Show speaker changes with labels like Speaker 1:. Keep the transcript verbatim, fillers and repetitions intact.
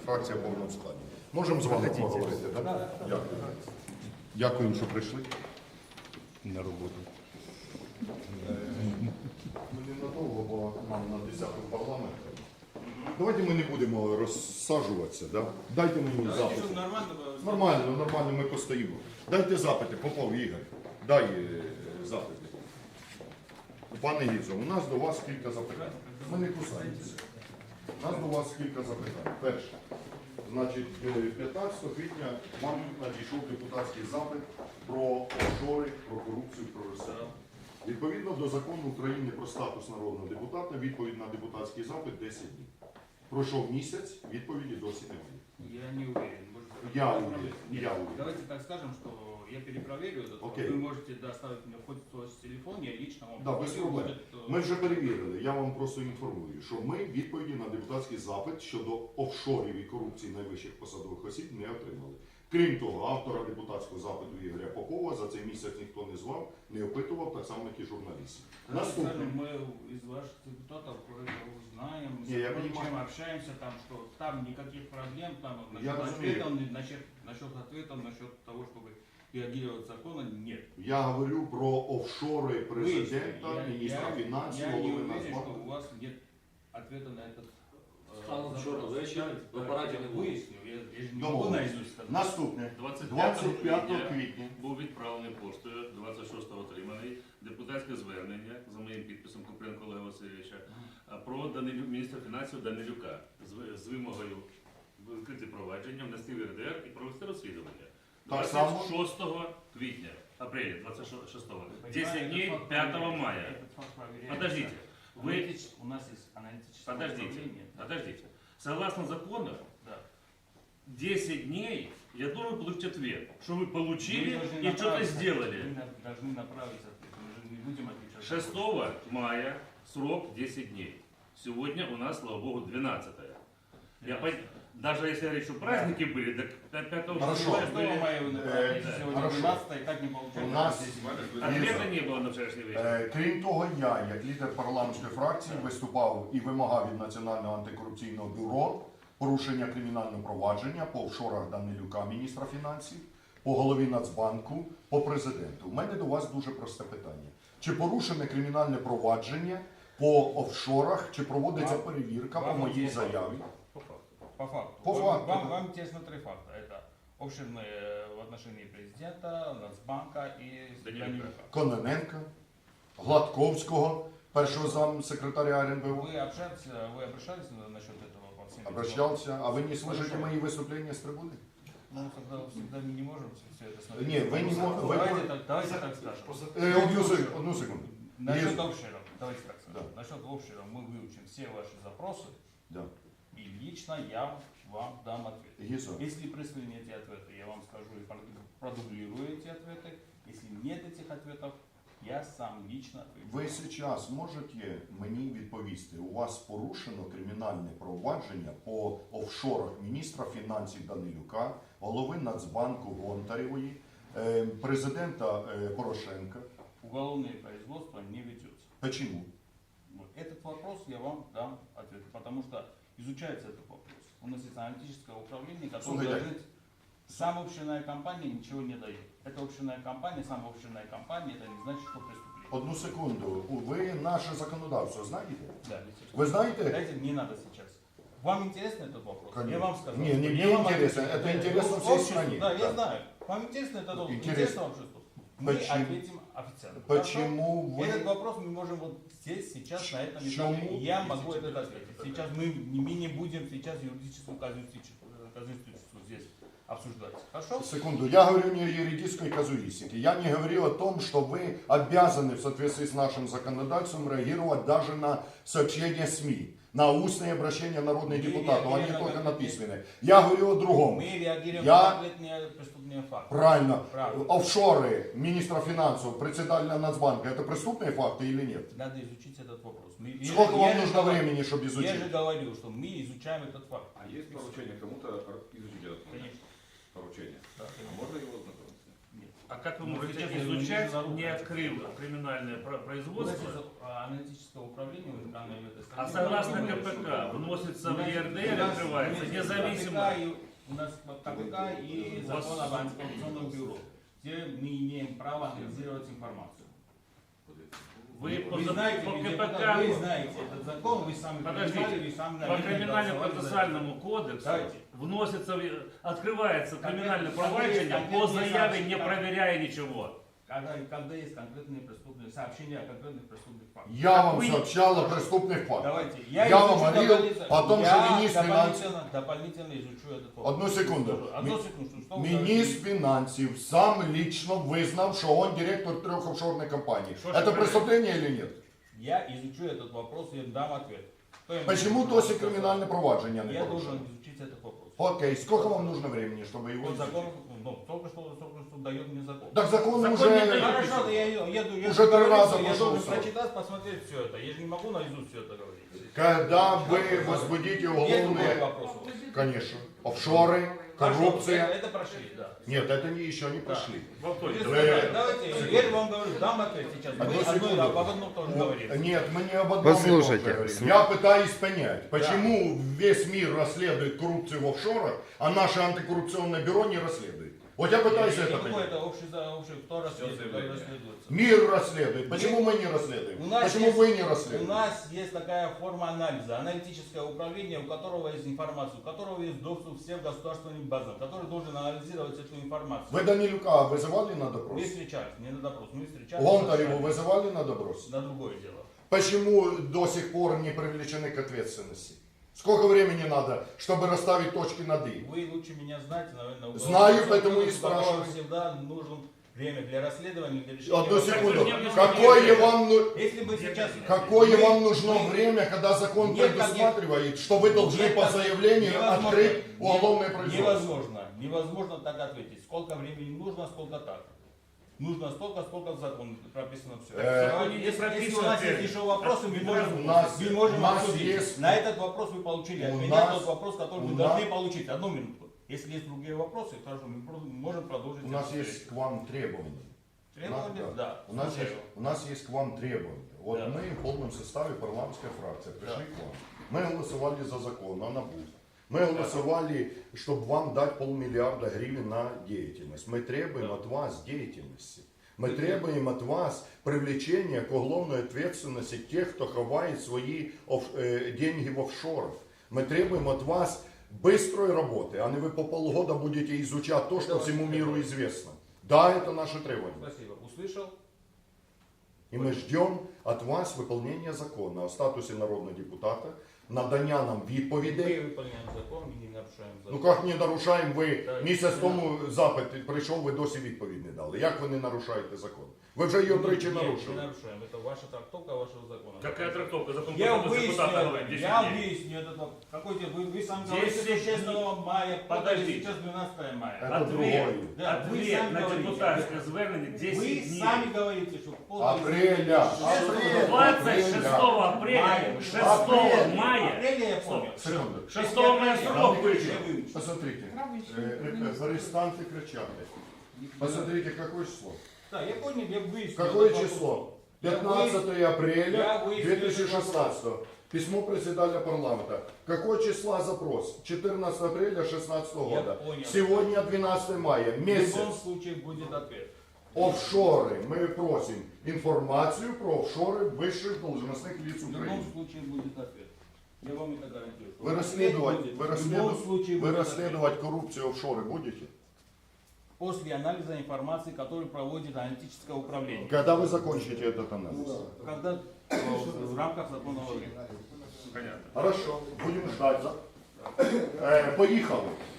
Speaker 1: фракція в повному складі. Можемо з вами поговорити, так? Да? Дякую. Дякую, що прийшли на роботу. Ми ненадовго, бо нам на десятку парламенту. Давайте ми не будемо розсаджуватися, да? Дайте мені запити. Нормально, нормально, ми постоїмо. Дайте запити, Попов Ігор, дай е, запити. Пане Гізо, у нас до вас кілька запитань. Ми не кусаємося. У нас до вас кілька запитань. Перше. Значить, п'ятнадцятого квітня вам надійшов депутатський запит про офшори, про корупцію, про розсяду. Відповідно до закону України про статус народного депутата, відповідь на депутатський запит десять днів. Пройшов місяць, відповіді досі немає.
Speaker 2: Я не уверен. Может,
Speaker 1: Я
Speaker 2: это
Speaker 1: уверен.
Speaker 2: Нет,
Speaker 1: Я уверен.
Speaker 2: Давайте так скажем, что я перепроверю этот.
Speaker 1: Окей.
Speaker 2: Вы можете доставить мне хоть свой телефон, я лично вам
Speaker 1: Да, без
Speaker 2: позвоню,
Speaker 1: проблем.
Speaker 2: будет,
Speaker 1: Ми вже перевірили, я вам просто інформую, що ми відповіді на депутатський запит щодо офшорів і корупції найвищих посадових осіб не отримали. Крім того, автора депутатського запиту Ігоря Попова за цей місяць ніхто не звав, не опитував, так само, як і журналістів.
Speaker 2: Наступне. Мы из ваших депутатов кое-что узнаем, с
Speaker 1: Не, я
Speaker 2: чем
Speaker 1: понимаю.
Speaker 2: общаемся, там, что там никаких проблем, там,
Speaker 1: Я
Speaker 2: насчет
Speaker 1: разумею.
Speaker 2: ответов, насчет, насчет ответов, насчет того, чтобы реагировать законно, нет.
Speaker 1: Я говорю про офшори президента,
Speaker 2: Выясню. Я-
Speaker 1: міністра
Speaker 2: я-
Speaker 1: фінансів,
Speaker 2: Я не
Speaker 1: голови
Speaker 2: уверен, что
Speaker 1: Нацбанку.
Speaker 2: у вас нет ответа на этот э,
Speaker 3: Станом
Speaker 2: запрос.
Speaker 3: вчора ввечері в апараті не було.
Speaker 2: Выясню, я, я же не
Speaker 1: Домовились.
Speaker 2: могу наизусть сказать.
Speaker 1: Наступне.
Speaker 4: двадцять
Speaker 1: двадцять п'ятого
Speaker 4: п'ятого
Speaker 1: квітня.
Speaker 4: був відправлений поштою, двадцять шостого отриманий депутатське звернення за моїм підписом Купренко Олега Васильовича про Данилю, міністра фінансів Данилюка з, з вимогою відкрити провадження, внести в РДР і провести розслідування.
Speaker 1: Так само?
Speaker 4: двадцять шостого квітня, апреля, двадцять шостого,
Speaker 2: Вы
Speaker 4: десять
Speaker 2: понимаете,
Speaker 4: дней,
Speaker 2: этот факт
Speaker 4: пятого
Speaker 2: проверяется.
Speaker 4: мая.
Speaker 2: Этот факт проверяется.
Speaker 4: Подождите, вы,
Speaker 2: Аналитич- У нас есть аналитическое
Speaker 4: подождите,
Speaker 2: управление. Да.
Speaker 4: подождите. Согласно закону,
Speaker 2: Да.
Speaker 4: десять дней я должен получить ответ, что вы
Speaker 2: Мы
Speaker 4: получили
Speaker 2: должны
Speaker 4: и что-то
Speaker 2: направить-
Speaker 4: сделали.
Speaker 2: Мы на- должны направить ответ. Мы же не будем отвечать.
Speaker 4: шестого мая срок десять дней. Сегодня у нас, слава богу, двенадцатое. Я пон- Даже если говорить, что праздники были, так пятого
Speaker 1: Хорошо.
Speaker 2: шестого мая вы направите,
Speaker 1: Э,
Speaker 2: сегодня
Speaker 1: хорошо.
Speaker 2: двенадцатое, и так не получается.
Speaker 1: У нас-
Speaker 4: Ответа не было на вчерашний вечер.
Speaker 1: Е, Крім того, я, як лідер парламентської фракції, виступав і вимагав від Національного антикорупційного бюро порушення кримінального провадження по офшорах Данилюка, міністра фінансів, по голові Нацбанку, по президенту. У мене до вас дуже просте питання. Чи порушене кримінальне провадження по офшорах, чи проводиться
Speaker 2: Вам-
Speaker 1: перевірка по
Speaker 2: вам
Speaker 1: моїй
Speaker 2: интересно?
Speaker 1: заяві?
Speaker 2: По факту.
Speaker 1: По
Speaker 2: вам,
Speaker 1: факту,
Speaker 2: Вам,
Speaker 1: да.
Speaker 2: вам интересно три факта. Это обширные в отношении президента, Нацбанка и
Speaker 4: Данилюка.
Speaker 2: Данилюка.
Speaker 1: Кононенка, Гладковського, першого замсекретаря РНБО.
Speaker 2: Вы общались, вы обращались на- насчет этого по всем этим
Speaker 1: Обращался. А вы не слышите
Speaker 2: Хорошо.
Speaker 1: мои выступления с трибуны?
Speaker 2: вопросам? Ну, тогда всегда мы не можем все это смотреть.
Speaker 1: Не, вы не мо- вы-
Speaker 2: Давайте, так, давайте так скажем.
Speaker 1: Э, одну, сек- одну секунду.
Speaker 2: Насчет
Speaker 1: Есть.
Speaker 2: общего, давайте так скажем.
Speaker 1: Да.
Speaker 2: Насчет общего мы выучим все ваши запросы,
Speaker 1: Да.
Speaker 2: и лично я вам дам ответ.
Speaker 1: Гизо.
Speaker 2: Если присланы эти ответы, я вам скажу и проду- продублирую эти ответы. Если нет этих ответов, я сам лично отвечу.
Speaker 1: Ви зараз можете мені відповісти, у вас порушено кримінальне провадження по офшорах міністра фінансів Данилюка, голови Нацбанку Гонтаревої, е, президента е, Порошенка.
Speaker 2: Уголовное производство не ведется.
Speaker 1: Почему?
Speaker 2: Вот этот вопрос я вам дам ответ, потому что изучается этот вопрос. У нас есть аналитическое управление, которое
Speaker 1: Слушайте.
Speaker 2: говорит, сама общинная компания ничего не дает. Это общинная компания, сама общинная компания, это не значит, что преступление.
Speaker 1: Одну секунду. Ви наше законодавство знаєте?
Speaker 2: Да, естественно.
Speaker 1: Ви знаєте?
Speaker 2: Дайте, не надо сейчас. Вам интересно этот вопрос?
Speaker 1: Конечно.
Speaker 2: Я вам скажу.
Speaker 1: Не, не,
Speaker 2: Я
Speaker 1: мне
Speaker 2: вам
Speaker 1: интересно.
Speaker 2: отвечу.
Speaker 1: Это
Speaker 2: Да,
Speaker 1: интересно
Speaker 2: ну,
Speaker 1: всей
Speaker 2: обществу,
Speaker 1: стране.
Speaker 2: Да,
Speaker 1: Да.
Speaker 2: я знаю. Вам интересно этот вопрос?
Speaker 1: Интересно.
Speaker 2: Интересно обществу? Мы
Speaker 1: Почему?
Speaker 2: ответим официально.
Speaker 1: Почему
Speaker 2: Хорошо?
Speaker 1: вы-
Speaker 2: Этот вопрос мы можем вот здесь, сейчас, на этом
Speaker 1: Почему?
Speaker 2: этапе. Я могу этот ответить. Сейчас мы, мы не будем сейчас юридическую казуистику казуистику здесь обсуждать. Хорошо?
Speaker 1: Секунду, я говорю не о юридической казуистике. Я не говорил о том, что вы обязаны в соответствии с нашим законодательством реагировать даже на сообщения СМИ, на устные обращения народных
Speaker 2: Мы
Speaker 1: депутатов, а не
Speaker 2: реагируем
Speaker 1: только
Speaker 2: на
Speaker 1: на письменные. Я говорю о другом.
Speaker 2: Мы реагируем
Speaker 1: Я-
Speaker 2: на конкретные преступные факты.
Speaker 1: Правильно.
Speaker 2: Правильно.
Speaker 1: Офшоры министра финансов, председателя Нацбанка, это преступные факты или нет?
Speaker 2: Надо изучить этот вопрос. Мы- я
Speaker 1: Сколько
Speaker 2: же-
Speaker 1: вам
Speaker 2: я же
Speaker 1: нужно
Speaker 2: говорю-
Speaker 1: времени, чтобы
Speaker 2: Я
Speaker 1: изучить?
Speaker 2: же говорю, что мы изучаем этот факт.
Speaker 5: А есть поручение кому-то изучить этот момент?
Speaker 2: Конечно.
Speaker 5: Поручение.
Speaker 2: Да,
Speaker 5: А можно его ознакомиться?
Speaker 2: Нет.
Speaker 4: А как вы
Speaker 2: Ну,
Speaker 4: можете
Speaker 2: сейчас я
Speaker 4: изучать,
Speaker 2: не
Speaker 4: не
Speaker 2: знаю.
Speaker 4: открыв криминальное про- производство?
Speaker 2: Аналитического управления в данной в этой стране.
Speaker 4: А согласно
Speaker 2: Мы-
Speaker 4: КПК вносится
Speaker 2: У
Speaker 4: в
Speaker 2: нас-
Speaker 4: ЕРДР,
Speaker 2: у нас-
Speaker 4: открывается
Speaker 2: у нас
Speaker 4: независимо.
Speaker 2: КПК и- У нас КПК и
Speaker 4: У вас-
Speaker 2: закон об антикоррупционном бюро, где мы имеем право анализировать информацию.
Speaker 4: Вы по,
Speaker 2: Вы
Speaker 4: за-
Speaker 2: знаете,
Speaker 4: по
Speaker 2: ведь
Speaker 4: КПК,
Speaker 2: это- вы знаете этот закон, вы сами
Speaker 4: Подождите.
Speaker 2: принимали, вы сами,
Speaker 4: по
Speaker 2: наверное,
Speaker 4: криминально-процессуальному кодексу
Speaker 2: Давайте.
Speaker 4: вносится, в- открывается криминальное
Speaker 2: Конкретно-
Speaker 4: проваджение по
Speaker 2: конкретные
Speaker 4: заяве, не
Speaker 2: сообщения.
Speaker 4: проверяя ничего.
Speaker 2: Когда, когда есть конкретные преступные сообщения о конкретных преступных фактах.
Speaker 1: Я вам
Speaker 4: Вы-
Speaker 1: сообщал о преступных фактах.
Speaker 2: Давайте.
Speaker 1: Я
Speaker 2: изучу
Speaker 1: вам говорил
Speaker 2: дополнительно-
Speaker 1: о том,
Speaker 2: я
Speaker 1: что министр
Speaker 2: дополнительно, дополнительно изучу этот вопрос.
Speaker 1: Одну секунду.
Speaker 2: Одну секунду. Что вы
Speaker 1: Міністр
Speaker 2: говорите?
Speaker 1: фінансів сам лично визнав, що он директор трех офшорных компаний.
Speaker 4: Что ж
Speaker 1: Это
Speaker 4: вы
Speaker 1: преступление или нет?
Speaker 2: Я изучу этот вопрос и дам ответ. Кто ему
Speaker 1: Почему
Speaker 2: должен
Speaker 1: досі
Speaker 2: сказать?
Speaker 1: кримінальне провадження не
Speaker 2: Я
Speaker 1: порушено?
Speaker 2: должен изучить этот вопрос.
Speaker 1: Окей, сколько вам нужно времени, чтобы его
Speaker 2: Вот
Speaker 1: изучить?
Speaker 2: закон, ну, только что, только что дает мне закон.
Speaker 1: Так закон,
Speaker 4: Закон
Speaker 1: уже...
Speaker 4: не дает.
Speaker 2: Хорошо, я еду, еду, я
Speaker 1: Уже
Speaker 2: же
Speaker 1: три
Speaker 2: говорю,
Speaker 1: раза
Speaker 2: я
Speaker 1: пошел
Speaker 2: должен
Speaker 1: срок.
Speaker 2: прочитать, посмотреть все это. Я же не могу наизусть все это говорить.
Speaker 1: Когда вы возбудите
Speaker 2: Есть другой
Speaker 1: уголовные...
Speaker 2: вопрос?
Speaker 1: Конечно. Офшоры,
Speaker 2: Хорошо,
Speaker 1: коррупция.
Speaker 2: Это, это прошли, да.
Speaker 1: Нет, это не, еще не прошли.
Speaker 4: Володь,
Speaker 1: Вы-
Speaker 2: Давайте, я вам говорю, дам ответ сейчас. Мы
Speaker 1: Одну
Speaker 2: одно,
Speaker 1: секунду.
Speaker 2: об одном тоже говорим.
Speaker 1: Нет, мы не об одном и том же
Speaker 5: Послушайте.
Speaker 1: говорим. Я пытаюсь понять, почему весь мир расследует коррупцию в офшорах, а наше антикоррупционное бюро не расследует. Вот я пытаюсь это
Speaker 2: Какое
Speaker 1: понять.
Speaker 2: это общий, за- общий, кто расследует, кто расследуется?
Speaker 1: Мир расследует. Почему мы не расследуем?
Speaker 2: У нас
Speaker 1: Почему
Speaker 2: есть-
Speaker 1: вы не
Speaker 2: У
Speaker 1: расследуете?
Speaker 2: нас есть такая форма анализа, аналитическое управление, у которого есть информация, у которого есть доступ всем государственным базам, который должен анализировать эту информацию.
Speaker 1: Вы Данилюка вызывали на
Speaker 2: Мы
Speaker 1: допрос?
Speaker 2: встречались, не на допрос, мы встречались.
Speaker 1: Лонтареву
Speaker 2: на-
Speaker 1: вызывали на допрос?
Speaker 2: на другое дело.
Speaker 1: Почему до сих пор не привлечены к ответственности? Сколько времени надо, чтобы расставить точки над «и»?
Speaker 2: Вы лучше меня знаете, наверное. у
Speaker 1: Знаю,
Speaker 2: кого-
Speaker 1: поэтому и
Speaker 2: у которого
Speaker 1: спрашиваю.
Speaker 2: всегда нужно время для расследования, для решения.
Speaker 1: Одну
Speaker 2: вопросов.
Speaker 1: секунду.
Speaker 4: вы мне
Speaker 1: Какое
Speaker 4: объясните.
Speaker 1: вам, ну-
Speaker 2: Если мы сейчас...
Speaker 1: какое
Speaker 2: мы-
Speaker 1: вам нужно
Speaker 2: мы-
Speaker 1: время, когда закон
Speaker 2: Нет,
Speaker 1: предусматривает, что вы должны
Speaker 2: Нет,
Speaker 1: по
Speaker 2: так
Speaker 1: заявлению
Speaker 2: невозможно.
Speaker 1: открыть
Speaker 2: Не-
Speaker 1: уголовное производство?
Speaker 2: Невозможно. Невозможно так ответить. Сколько времени нужно, сколько так. Нужно столько, сколько в законе прописано все.
Speaker 1: Э,
Speaker 4: Законе не
Speaker 2: если, если у
Speaker 4: прописано
Speaker 2: нас есть
Speaker 4: ответ.
Speaker 2: еще вопросы, мы можем,
Speaker 1: У нас-
Speaker 2: мы можем
Speaker 1: у нас
Speaker 2: обсудить.
Speaker 1: есть-
Speaker 2: На этот вопрос вы получили.
Speaker 1: У
Speaker 2: От меня
Speaker 1: нас-
Speaker 2: тот вопрос, который
Speaker 1: у
Speaker 2: вы
Speaker 1: нас-
Speaker 2: должны получить. Одну минуту. Если есть другие вопросы, хорошо, мы про- можем продолжить.
Speaker 1: У нас
Speaker 2: эту
Speaker 1: есть
Speaker 2: встречу.
Speaker 1: к вам требования.
Speaker 2: Требования?
Speaker 1: Да.
Speaker 2: Да.
Speaker 1: У нас,
Speaker 2: Слушаю.
Speaker 1: есть, у нас есть к вам требования. Вот
Speaker 2: Да.
Speaker 1: мы в полном составе парламентская фракция пришли к вам. Мы голосовали за закон о НАБУ. Мы голосовали, чтобы вам дать полмиллиарда гривен на деятельность. Мы требуем от вас деятельности. Мы требуем от вас привлечения к уголовной ответственности тех, кто ховает свои оф- э, деньги в офшорах. Мы требуем от вас быстрой работы, а не вы по полгода будете изучать то, что
Speaker 2: Это
Speaker 1: всему
Speaker 2: ваше
Speaker 1: миру
Speaker 2: требование.
Speaker 1: известно. Да, это наше требование.
Speaker 2: Спасибо. Услышал?
Speaker 1: И мы ждем от вас выполнения закона о статусе народного депутата, надання нам
Speaker 2: Мы
Speaker 1: відповідей.
Speaker 2: выполняем закон, мы не нарушаем закон.
Speaker 1: Ну як не нарушаємо, ви
Speaker 2: Так,
Speaker 1: місяць
Speaker 2: не
Speaker 1: тому запит прийшов, ви досі відповідь не дали. Як ви не нарушаєте закон? Ви вже його тричі
Speaker 2: Нет,
Speaker 1: нарушили.
Speaker 2: не нарушаем. Это ваша трактовка вашего закона.
Speaker 4: Какая трактовка? Закон
Speaker 2: Я
Speaker 4: про статус
Speaker 2: выясню,
Speaker 4: депутата
Speaker 2: это,
Speaker 4: говорит десять
Speaker 2: я
Speaker 4: дней.
Speaker 2: выясню этот вопрос. Какой тебе, вы, вы сам
Speaker 4: десять
Speaker 2: говорите, что
Speaker 4: дней.
Speaker 2: шестого мая, подожди,
Speaker 4: Подождите.
Speaker 2: сейчас двенадцатое мая.
Speaker 1: Это
Speaker 4: Ответ,
Speaker 1: другое.
Speaker 2: Да, вы
Speaker 4: ответ
Speaker 2: сами
Speaker 4: на
Speaker 2: говорите.
Speaker 4: депутатское звернение
Speaker 2: Вы
Speaker 4: десять дней.
Speaker 2: сами говорите, что полное
Speaker 1: Апреля.
Speaker 2: Апреля.
Speaker 4: двадцать шестого апреля,
Speaker 2: Мая.
Speaker 4: шестого
Speaker 1: Апреля.
Speaker 4: мая,
Speaker 2: Апреля я помню.
Speaker 1: Секунду.
Speaker 4: шестого мая срок вышел.
Speaker 2: Я выучу.
Speaker 1: Посмотрите, э, э, перестаньте кричать. Посмотрите, какое число.
Speaker 2: Да, я понял, я выясню.
Speaker 1: Какое
Speaker 2: этот
Speaker 1: число?
Speaker 2: вопрос. Я
Speaker 1: пятнадцатое
Speaker 2: я
Speaker 1: апреля
Speaker 2: выясню
Speaker 1: две тысячи
Speaker 2: этот
Speaker 1: шестнадцатого. Письмо председателя парламента. Какое числа запрос? четырнадцатого апреля шестнадцатого
Speaker 2: Я
Speaker 1: года.
Speaker 2: понял.
Speaker 1: Сегодня двенадцатое мая.
Speaker 2: В любом
Speaker 1: Месяц.
Speaker 2: случае будет ответ.
Speaker 1: Офшоры. Мы просим информацию про офшоры высших должностных лиц
Speaker 2: В любом
Speaker 1: Украины.
Speaker 2: случае будет ответ. Я вам это гарантирую. что
Speaker 1: Вы
Speaker 2: ответ
Speaker 1: расследовать,
Speaker 2: будет.
Speaker 1: вы
Speaker 2: В любом
Speaker 1: расследовать,
Speaker 2: случае
Speaker 1: вы
Speaker 2: будет
Speaker 1: расследовать коррупцию офшоры будете?
Speaker 2: ответ. После анализа информации, который проводит аналитическое управление.
Speaker 1: Когда вы закончите этот анализ?
Speaker 2: Когда э, в рамках законного времени.
Speaker 4: Понятно.
Speaker 1: Хорошо, будем ждать. Э, поїхали.